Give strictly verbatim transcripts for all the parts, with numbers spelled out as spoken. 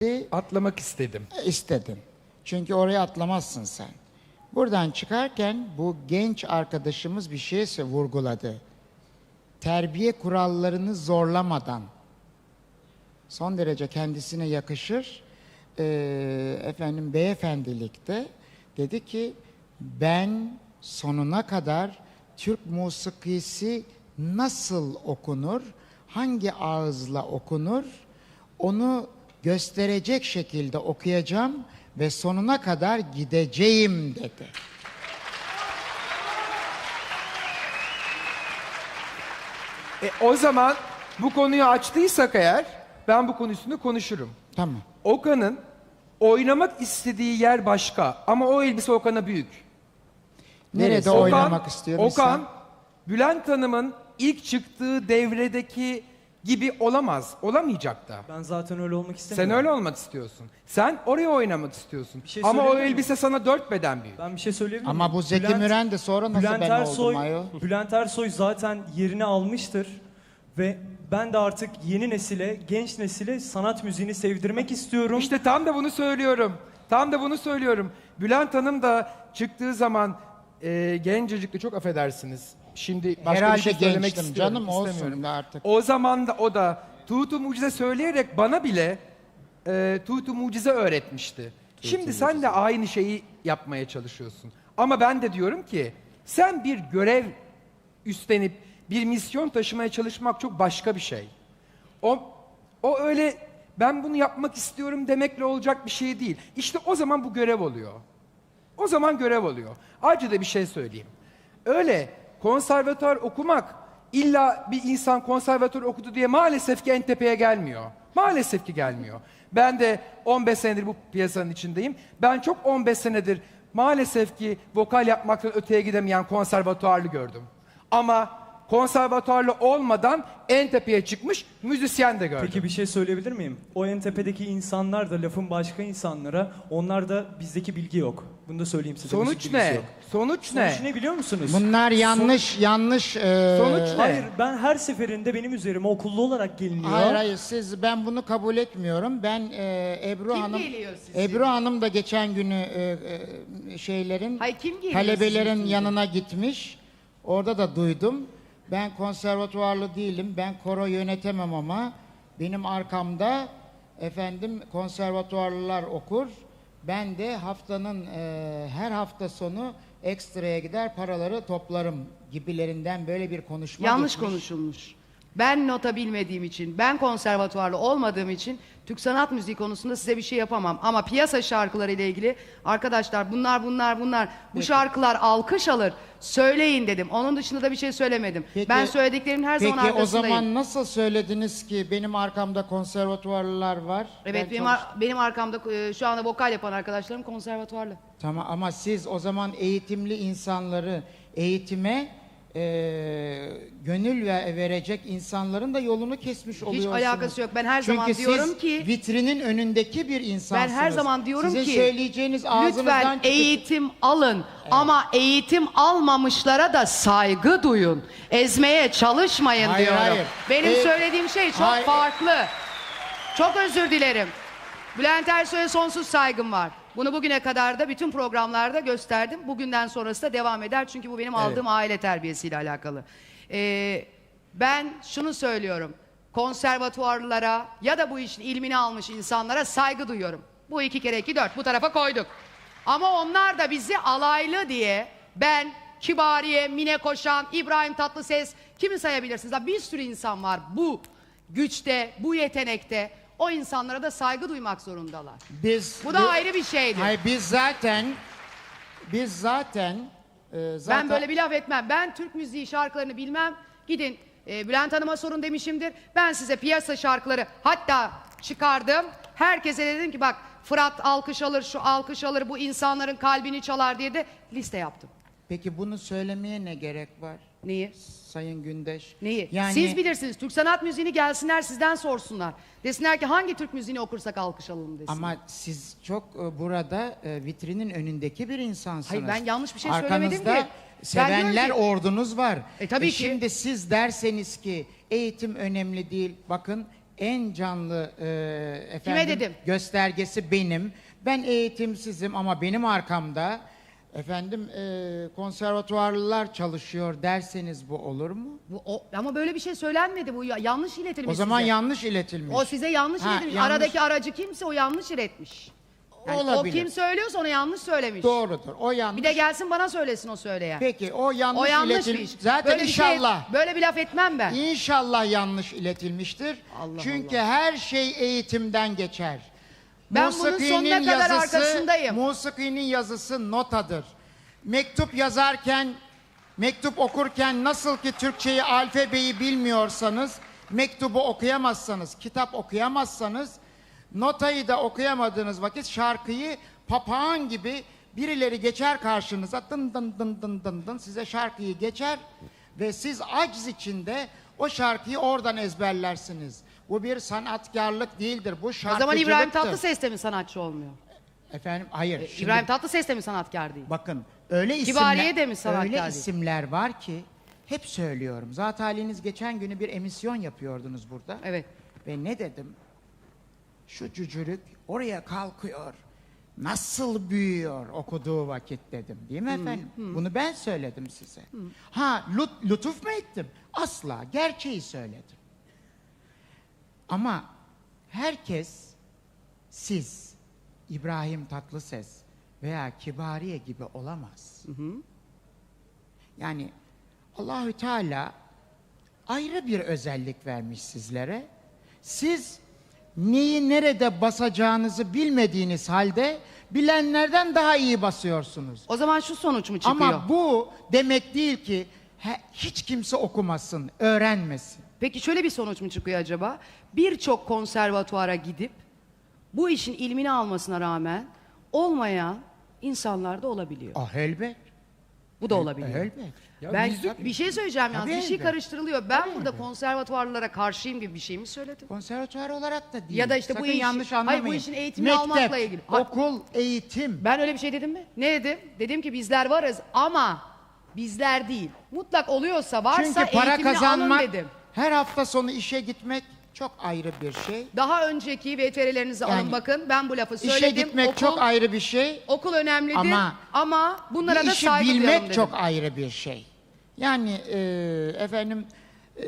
Atlamak istedim. İstedin. Çünkü oraya atlamazsın sen. Buradan çıkarken bu genç arkadaşımız bir şey vurguladı. Terbiye kurallarını zorlamadan, son derece kendisine yakışır, e, efendim beyefendilikte dedi ki, ben sonuna kadar Türk musikisi nasıl okunur, hangi ağızla okunur, onu gösterecek şekilde okuyacağım ve sonuna kadar gideceğim dedi. E, o zaman bu konuyu açtıysak eğer ben bu konu üstünde konuşurum. Tamam. Okan'ın oynamak istediği yer başka ama o elbise Okan'a büyük. Nerede Neresi? oynamak Okan, istiyor Okan, mesela? Bülent Hanım'ın ilk çıktığı devredeki gibi olamaz. Olamayacak da. Ben zaten öyle olmak istemiyorum. Sen öyle olmak istiyorsun. Sen oraya oynamak istiyorsun. Bir şey Ama o söyleyebilir miyim? elbise sana dört beden büyük. Ben bir şey söyleyebilir miyim? Ama bu Zeki Bülent- Müren de sonra nasıl Bülent ben Ersoy, oldum ayol? Bülent Ersoy zaten yerini almıştır. Ve ben de artık yeni nesile, genç nesile sanat müziğini sevdirmek istiyorum. İşte tam da bunu söylüyorum. Tam da bunu söylüyorum. Bülent Hanım da çıktığı zaman e, gencecikti, çok affedersiniz. Şimdi başka Herhalde bir şey söylemek gençtim istiyorum. canım, olsun istemiyorum. da artık. O zaman da o da Tuğtu Mucize söyleyerek bana bile e, Tuğtu Mucize öğretmişti. Şimdi sen de aynı şeyi yapmaya çalışıyorsun. Ama ben de diyorum ki sen bir görev üstlenip bir misyon taşımaya çalışmak çok başka bir şey. O, o öyle ben bunu yapmak istiyorum demekle olacak bir şey değil. İşte o zaman bu görev oluyor. O zaman görev oluyor. Ayrıca da bir şey söyleyeyim. Öyle konservatuar okumak illa bir insan konservatuar okudu diye maalesef ki en tepeye gelmiyor. Maalesef ki gelmiyor. Ben de on beş senedir bu piyasanın içindeyim. Ben çok on beş senedir maalesef ki vokal yapmaktan öteye gidemeyen konservatuarlı gördüm. Ama konservatuarlı olmadan en tepeye çıkmış müzisyen de gördüm. Peki bir şey söyleyebilir miyim? O en tepedeki insanlar da lafın başka insanlara, onlar da bizdeki bilgi yok. Bunu da söyleyeyim size. Sonuç müzik bilgisi ne? yok. Sonuç ne? Sonuç ne biliyor musunuz? Bunlar yanlış, yanlış... e, Sonuç ne? Hayır, ben her seferinde benim üzerime okullu olarak geliniyor. Hayır hayır, siz, ben bunu kabul etmiyorum. Ben e, Ebru Kim Hanım, geliyor size? Ebru Hanım da geçen günü e, e, şeylerin, Hayır, kim geliyor talebelerin sizin yanına gitmiş. Orada da duydum. Ben konservatuvarlı değilim. Ben koro yönetemem ama benim arkamda efendim konservatuvarlılar okur. Ben de haftanın e, her hafta sonu ekstraya gider paraları toplarım gibilerinden böyle bir konuşma Yanlış gitmiş. konuşulmuş. Ben nota bilmediğim için, ben konservatuvarlı olmadığım için Türk sanat müziği konusunda size bir şey yapamam. Ama piyasa şarkıları ile ilgili arkadaşlar bunlar bunlar bunlar bu şarkılar alkış alır. Söyleyin dedim. Onun dışında da bir şey söylemedim. Peki- ben söylediklerimin her zaman Peki o arkasındayım. zaman nasıl söylediniz ki benim arkamda konservatuvarlılar var? Evet, Ben benim, çalış- ar- benim arkamda e, şu anda vokal yapan arkadaşlarım konservatuvarlı. Tamam ama siz o zaman eğitimli insanları eğitime e, gönül ve verecek insanların da yolunu kesmiş oluyorsunuz. alakası yok. Ben her Çünkü zaman diyorum siz ki- vitrinin önündeki bir insansınız. Ben her zaman diyorum Sizin ki söyleyeceğiniz ağzınızdan lütfen çıkıp- eğitim alın ama eğitim almamışlara da saygı duyun. Ezmeye çalışmayın Hayır, diyorum. hayır. Benim Ee, söylediğim şey çok hayır. farklı. Çok özür dilerim. Bülent Ersoy'a sonsuz saygım var. Bunu bugüne kadar da bütün programlarda gösterdim. Bugünden sonrası da devam eder. Çünkü bu benim aldığım aile terbiyesiyle alakalı. Ee, ben şunu söylüyorum. Konservatuvarlara ya da bu işin ilmini almış insanlara saygı duyuyorum. Bu iki kere iki dört. Bu tarafa koyduk. Ama onlar da bizi alaylı diye ben, Kibariye, Mine Koşan, İbrahim Tatlıses kimi sayabilirsiniz? Daha bir sürü insan var bu güçte, bu yetenekte. O insanlara da saygı duymak zorundalar. Biz, Bu da ayrı bir şeydir. Hayır, biz zaten biz zaten e, zaten Ben böyle bir laf etmem. Ben Türk müziği şarkılarını bilmem. Gidin e, Bülent Hanım'a sorun demişimdir. Ben size piyasa şarkıları hatta çıkardım. Herkese dedim ki bak Fırat alkış alır, şu alkış alır, bu insanların kalbini çalar diye de liste yaptım. Peki bunu söylemeye ne gerek var? Neyi? Sayın Gündeş. Neyi? Yani Siz bilirsiniz. Türk sanat müziğini gelsinler sizden sorsunlar. Desinler ki hangi Türk müziğini okursak alkış alalım desinler. ama siz çok e, burada e, vitrinin önündeki bir insansınız. Hayır, ben yanlış bir şey Arkanızda söylemedim ki. Ben sevenler diyorum ki- ordunuz var. E, tabii ki. Şimdi siz derseniz ki eğitim önemli değil. Bakın en canlı e, efendim dedim? göstergesi benim. Ben eğitimsizim ama benim arkamda efendim e, konservatuvarlılar çalışıyor derseniz bu olur mu? Bu, o, ama böyle bir şey söylenmedi. Bu ya- yanlış iletilmiş O zaman size. yanlış iletilmiş. O size yanlış Ha, iletilmiş. yanlış- Aradaki aracı kimse o yanlış iletmiş. Yani o Olabilir. kim söylüyorsa onu yanlış söylemiş. Doğrudur. O yanlış. Bir de gelsin bana söylesin o söyleyen. Peki o yanlış O yanlış bir iletilmiş. iş. Zaten Böyle bir şey- inşallah. böyle bir laf etmem ben. İnşallah yanlış iletilmiştir. Allah Çünkü her şey eğitimden geçer. Ben bunun sonuna kadar arkasındayım. Musikinin yazısı notadır. Mektup yazarken, mektup okurken nasıl ki Türkçeyi, alfabeyi bilmiyorsanız, mektubu okuyamazsanız, kitap okuyamazsanız, notayı da okuyamadığınız vakit şarkıyı papağan gibi birileri geçer karşınıza, dın dın dın dın dın dın size şarkıyı geçer ve siz aciz içinde o şarkıyı oradan ezberlersiniz. Bu bir sanatkarlık değildir, bu O şarkıcılıktır. zaman İbrahim Tatlıses de mi sanatçı olmuyor? Efendim hayır. şimdi İbrahim Tatlıses de mi sanatkar değil? bakın öyle isimler, Kibariye de mi sanatkar öyle değil? isimler var ki hep söylüyorum. Zaten haliniz geçen günü bir emisyon yapıyordunuz burada. Evet. Ve ne dedim? Şu cücürük oraya kalkıyor. Nasıl büyüyor okuduğu vakit dedim. Değil mi efendim? Bunu ben söyledim size. Ha lut, lütuf mu ettim? Asla. Gerçeği söyledim. Ama herkes siz İbrahim Tatlıses veya Kibariye gibi olamaz. Yani Allahü Teala ayrı bir özellik vermiş sizlere. Siz neyi nerede basacağınızı bilmediğiniz halde bilenlerden daha iyi basıyorsunuz. O zaman şu sonuç mu çıkıyor? Ama bu demek değil ki he- hiç kimse okumasın, öğrenmesin. Peki şöyle bir sonuç mu çıkıyor acaba? Birçok konservatuara gidip bu işin ilmini almasına rağmen olmayan insanlar da olabiliyor. Ah elbet. Bu da olabiliyor. Elbet. Ya Ben müzik- bir şey söyleyeceğim yalnız. Tabii Bir şey elbet. karıştırılıyor. Ben burada konservatuvarlara karşıyım gibi bir şey mi söyledim? Konservatuvar olarak da değil. Ya da işte bu Sakın iş- yanlış hayır, bu anlamayın. işin eğitimini Mektep, almakla ilgili. Ha- okul, eğitim. Ben öyle bir şey dedim mi? Ne dedim? Dedim ki bizler varız ama bizler değil. Mutlak oluyorsa varsa Çünkü para eğitimini kazanmak, alın dedim. her hafta sonu işe gitmek çok ayrı bir şey. Daha önceki V T R'lerinizi alın Yani bakın. Ben bu lafı İşe söyledim. gitmek okul, çok ayrı bir şey. okul önemlidir ama, Ama bunlara bir da işi saygı duyalım bilmek dedim. çok ayrı bir şey. Yani e, efendim e,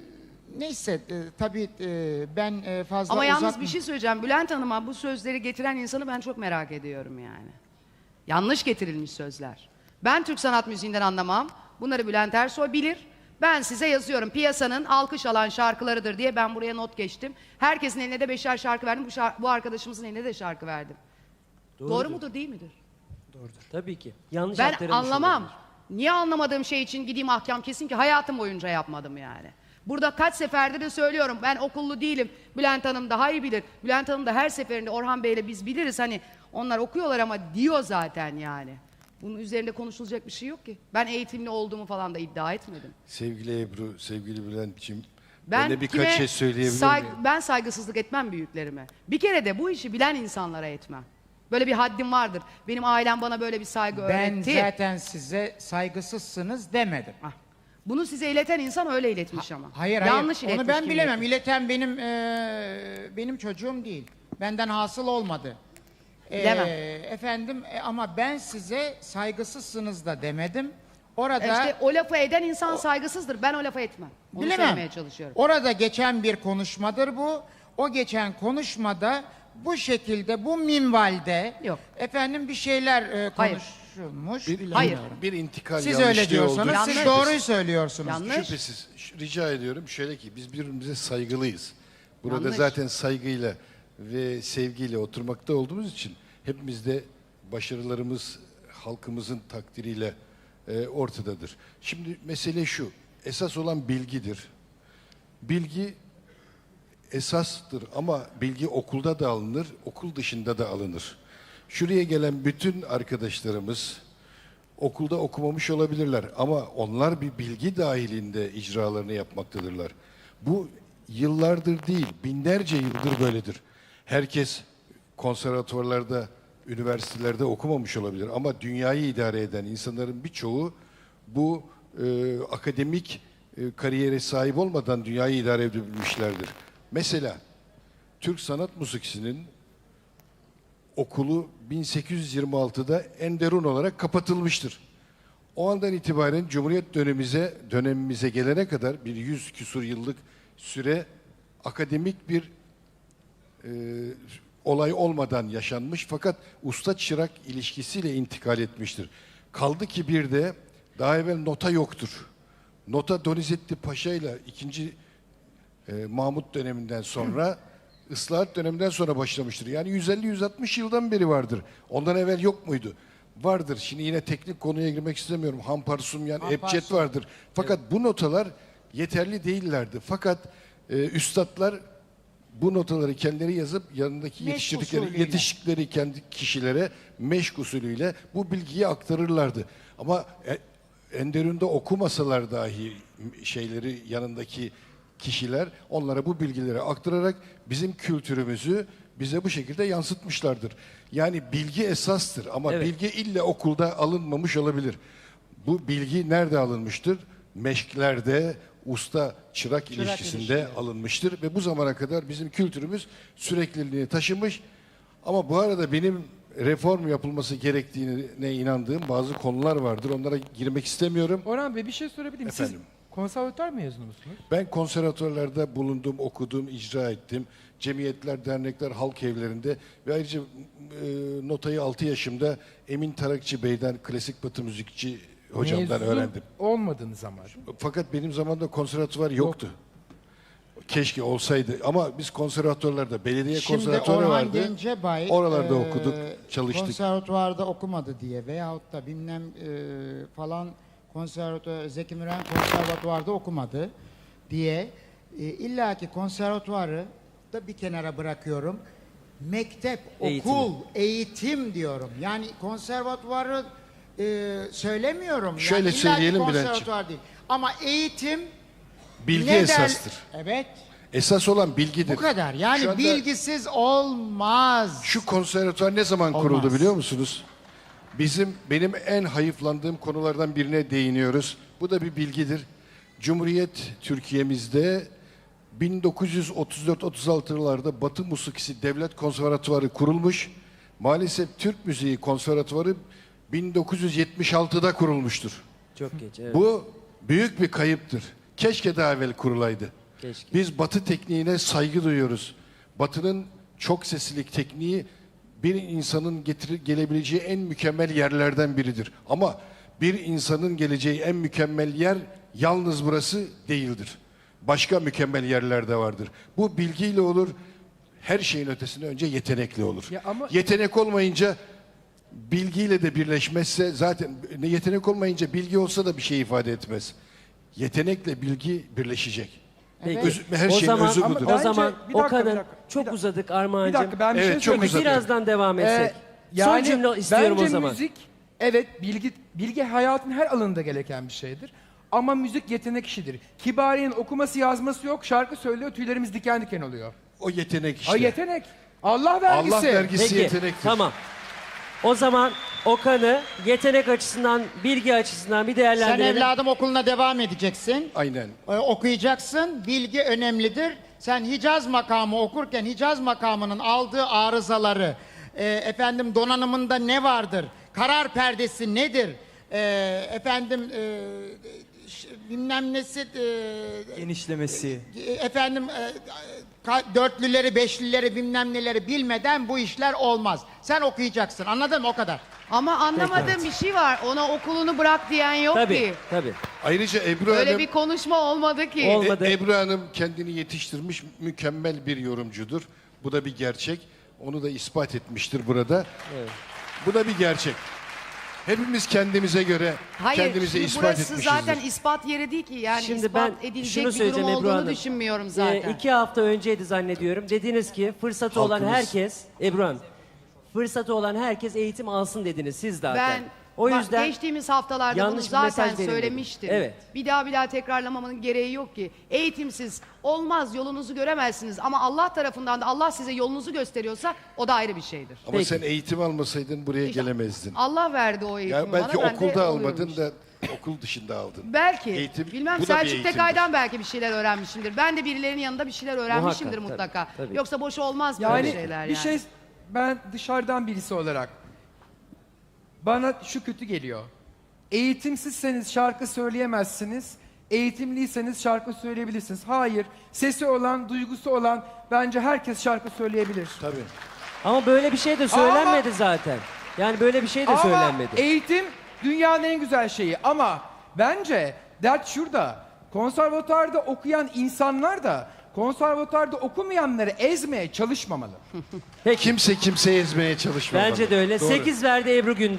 neyse e, tabii e, ben e, fazla Ama yalnız uzatma- bir şey söyleyeceğim. Bülent Hanım'a bu sözleri getiren insanı ben çok merak ediyorum yani. Yanlış getirilmiş sözler. Ben Türk sanat müziğinden anlamam. Bunları Bülent Ersoy bilir. Ben size yazıyorum. Piyasanın alkış alan şarkılarıdır diye ben buraya not geçtim. Herkesin eline de beşer şarkı verdim. Bu, şar- bu arkadaşımızın eline de şarkı verdim. Doğru mudur değil midir? Tabii ki. Yanlış Ben aktarılmış anlamam. olabilir. Niye anlamadığım şey için gideyim ahkam kesin ki hayatım boyunca yapmadım yani. Burada kaç seferde de söylüyorum. Ben okullu değilim. Bülent Hanım daha iyi bilir. Bülent Hanım da her seferinde Orhan Bey'le biz biliriz. Hani onlar okuyorlar ama diyor zaten yani. Bunun üzerinde konuşulacak bir şey yok ki. Ben eğitimli olduğumu falan da iddia etmedim. Sevgili Ebru, sevgili Bülent'ciğim, Ben, ben de birkaç kime şey söyleyebilir say- miyim? Ben saygısızlık etmem büyüklerime. Bir kere de bu işi bilen insanlara etmem. Böyle bir haddim vardır. Benim ailem bana böyle bir saygı Ben öğretti. zaten size saygısızsınız demedim. Ah, bunu size ileten insan öyle iletmiş ama. Hayır Yanlış hayır. Onu iletmiş ben kim bilemem. iletmiş. İleten benim eee, benim çocuğum değil. Benden hasıl olmadı. Eee, Bilemem. efendim e, ama ben size saygısızsınız da demedim. Orada İşte o lafı eden insan saygısızdır. Ben o lafı etmem. Onu bilemem. söylemeye çalışıyorum. Orada geçen bir konuşmadır bu. O geçen konuşmada bu şekilde bu minvalde Yok. efendim bir şeyler e, Hayır. konuşulmuş. Bir, bilmiyorum. Hayır. bir intikal Siz yanlışlığı öyle diyorsanız oldu. siz Yanlış. doğruyu söylüyorsunuz. Yanlış. Şüphesiz. Ş- Rica ediyorum şöyle ki biz birbirimize saygılıyız. Burada Yanlış. zaten saygıyla ve sevgiyle oturmakta olduğumuz için hepimiz de başarılarımız halkımızın takdiriyle e, ortadadır. Şimdi mesele şu. Esas olan bilgidir. Bilgi esastır ama bilgi okulda da alınır, okul dışında da alınır. Şuraya gelen bütün arkadaşlarımız okulda okumamış olabilirler ama onlar bir bilgi dahilinde icralarını yapmaktadırlar. Bu yıllardır değil, binlerce yıldır böyledir. Herkes konservatuvarlarda, üniversitelerde okumamış olabilir ama dünyayı idare eden insanların birçoğu bu e, akademik e, kariyere sahip olmadan dünyayı idare edebilmişlerdir. Mesela Türk Sanat Müziği'nin okulu bin sekiz yüz yirmi altıda Enderun olarak kapatılmıştır. O andan itibaren Cumhuriyet dönemimize, dönemimize gelene kadar bir yüz küsur yıllık süre akademik bir e, olay olmadan yaşanmış fakat usta çırak ilişkisiyle intikal etmiştir. Kaldı ki bir de daha evvel nota yoktur. Nota Donizetti Paşa ile ikinci e, Mahmut döneminden sonra ıslahat döneminden sonra başlamıştır. Yani yüz elli yüz altmış yıldan beri vardır. Ondan evvel yok muydu? Vardır. Şimdi yine teknik konuya girmek istemiyorum. Hamparsumyan, Hamparsum. ebced vardır. Fakat bu notalar yeterli değillerdi. Fakat e, üstadlar bu notaları kendileri yazıp yanındaki Meşk yetiştirdikleri, usulüyle. yetiştikleri kendi kişilere meşk usulüyle bu bilgiyi aktarırlardı. Ama e, Enderun'da okumasalar dahi şeyleri yanındaki kişiler onlara bu bilgileri aktararak bizim kültürümüzü bize bu şekilde yansıtmışlardır. Yani bilgi esastır ama Evet. bilgi ille okulda alınmamış olabilir. Bu bilgi nerede alınmıştır? Meşklerde, usta çırak, ilişkisinde ilişkileri. alınmıştır ve bu zamana kadar bizim kültürümüz sürekliliğini taşımış. Ama bu arada benim reform yapılması gerektiğine inandığım bazı konular vardır. Onlara girmek istemiyorum. Orhan Bey bir şey sorabilir miyim? Siz Efendim? konservatuvar mezunu musunuz? Ben konservatuvarlarda bulundum, okudum, icra ettim. Cemiyetler, dernekler, halk evlerinde ve ayrıca e, notayı altı yaşımda Emin Tarakçı Bey'den, klasik batı müzikçi hocamdan Mezun öğrendim. olmadığınız zaman. Fakat benim zamanımda konservatuvar yoktu. Keşke olsaydı ama biz konservatuvarlarda belediye Şimdi konservatuvarı Orhan vardı. Gencebay Oralarda eee, okuduk, çalıştık. konservatuvarda okumadı diye veyahut da bilmem eee, falan konservatuvar, Zeki Müren konservatuvarda okumadı diye e, illaki konservatuvarı da bir kenara bırakıyorum. Mektep, Eğitimi. okul, eğitim diyorum. Yani konservatuvarı eee, söylemiyorum. Şöyle yani illaki söyleyelim konservatuvar değil. Ama eğitim Bilgi neden- esastır. Evet. Esas olan bilgidir. Bu kadar. Şu Yani anda bilgisiz olmaz. Şu konservatuvar ne zaman Olmaz. kuruldu biliyor musunuz? Bizim benim en hayıflandığım konulardan birine değiniyoruz. Bu da bir bilgidir. Cumhuriyet Türkiye'mizde bin dokuz yüz otuz dört otuz altılarda Batı Musikisi Devlet Konservatuvarı kurulmuş. Maalesef Türk Müziği Konservatuvarı bin dokuz yüz yetmiş altıda kurulmuştur. Çok geç. Evet. Bu büyük bir kayıptır. Keşke daha evvel kurulaydı. Keşke. Biz Batı tekniğine saygı duyuyoruz. Batı'nın çok seslilik tekniği bir insanın getir gelebileceği en mükemmel yerlerden biridir. Ama bir insanın geleceği en mükemmel yer yalnız burası değildir. Başka mükemmel yerler de vardır. Bu bilgiyle olur. Her şeyin ötesinde önce yetenekli olur. Ya ama- Yetenek olmayınca bilgiyle de birleşmezse zaten ne yetenek olmayınca bilgi olsa da bir şey ifade etmez. Yetenekle bilgi birleşecek. Evet. Öz- her o şeyin zaman, özü Ama budur. o bence- zaman bir dakika, Okan'ın bir dakika, bir çok dakika. uzadık Bir Armağan'cığım. dakika ben bir Evet, şey çok söylemek uzadı. istiyorum. Birazdan devam Ee, etsek. yani Son cümle istiyorum bence o zaman. müzik evet bilgi bilgi hayatın her alanında gereken bir şeydir. Ama müzik yetenek işidir. Kibariye'nin okuması yazması yok, şarkı söylüyor, tüylerimiz diken diken oluyor. O yetenek işte. Ay yetenek. Allah vergisi. Allah vergisi Peki, yetenektir. tamam. O zaman Okan'ı yetenek açısından, bilgi açısından bir Sen değerlendirelim. evladım okuluna devam edeceksin. Aynen. Ee, okuyacaksın. Bilgi önemlidir. Sen Hicaz makamı okurken Hicaz makamının aldığı arızaları, e, efendim donanımında ne vardır? Karar perdesi nedir? E, efendim e, ş- bilmem nesi e, Genişlemesi. e, efendim e, ka- dörtlüleri, beşlileri bilmem neleri bilmeden bu işler olmaz. Sen okuyacaksın. Anladın mı? O kadar. Ama anlamadığım bir şey var. Ona okulunu bırak diyen yok Tabii, ki. tabii. Ayrıca Ebru Öyle Hanım, bir konuşma olmadı ki. Ol- olmadı. E- Ebru Hanım kendini yetiştirmiş mükemmel bir yorumcudur. Bu da bir gerçek. Onu da ispat etmiştir burada. Bu da bir gerçek. Hepimiz kendimize göre Hayır, kendimize şimdi ispat burası etmişizdir. zaten ispat yeri değil ki. Yani Şimdi ispat ben edilecek şunu bir durum söyleyeceğim Ebru olduğunu Hanım. düşünmüyorum Ee, zaten. iki hafta önceydi zannediyorum. Dediniz ki fırsatı olan Halkımız- herkes, Ebru Hanım, fırsatı olan herkes eğitim alsın dediniz siz zaten. Ben o bak, yüzden geçtiğimiz haftalarda bunu yanlış bir zaten mesaj verilmedi. söylemiştim. Evet. Bir daha bir daha tekrarlamamanın gereği yok ki. Eğitimsiz olmaz, yolunuzu göremezsiniz. Ama Allah tarafından da Allah size yolunuzu gösteriyorsa o da ayrı bir şeydir. Ama Peki. sen eğitim almasaydın buraya İşte gelemezdin. Allah verdi o eğitimi Ya belki bana. ben de okulda oluyorum almadın işte. da okul dışında aldın. Belki. Eğitim, Bilmem bu da bir Selçuk eğitimdir. Tekay'dan belki bir şeyler öğrenmişimdir. Ben de birilerinin yanında bir şeyler öğrenmişimdir Muhakkak, mutlaka. tabii, tabii. Yoksa boş olmaz Yani böyle şeyler bir yani. şey ben dışarıdan birisi olarak bana şu kötü geliyor. Eğitimsizseniz şarkı söyleyemezsiniz. Eğitimliyseniz şarkı söyleyebilirsiniz. Hayır. Sesi olan, duygusu olan bence herkes şarkı söyleyebilir. Tabii. Ama böyle bir şey de söylenmedi zaten. Yani böyle bir şey de Ama söylenmedi. eğitim dünyanın en güzel şeyi. Ama bence dert şurada. Konservatuarda okuyan insanlar da konservatuarda okumayanları ezmeye çalışmamalı. Peki. Kimse kimseyi ezmeye çalışmamalı. Bence de öyle. Doğru. sekiz verdi Ebru Gün.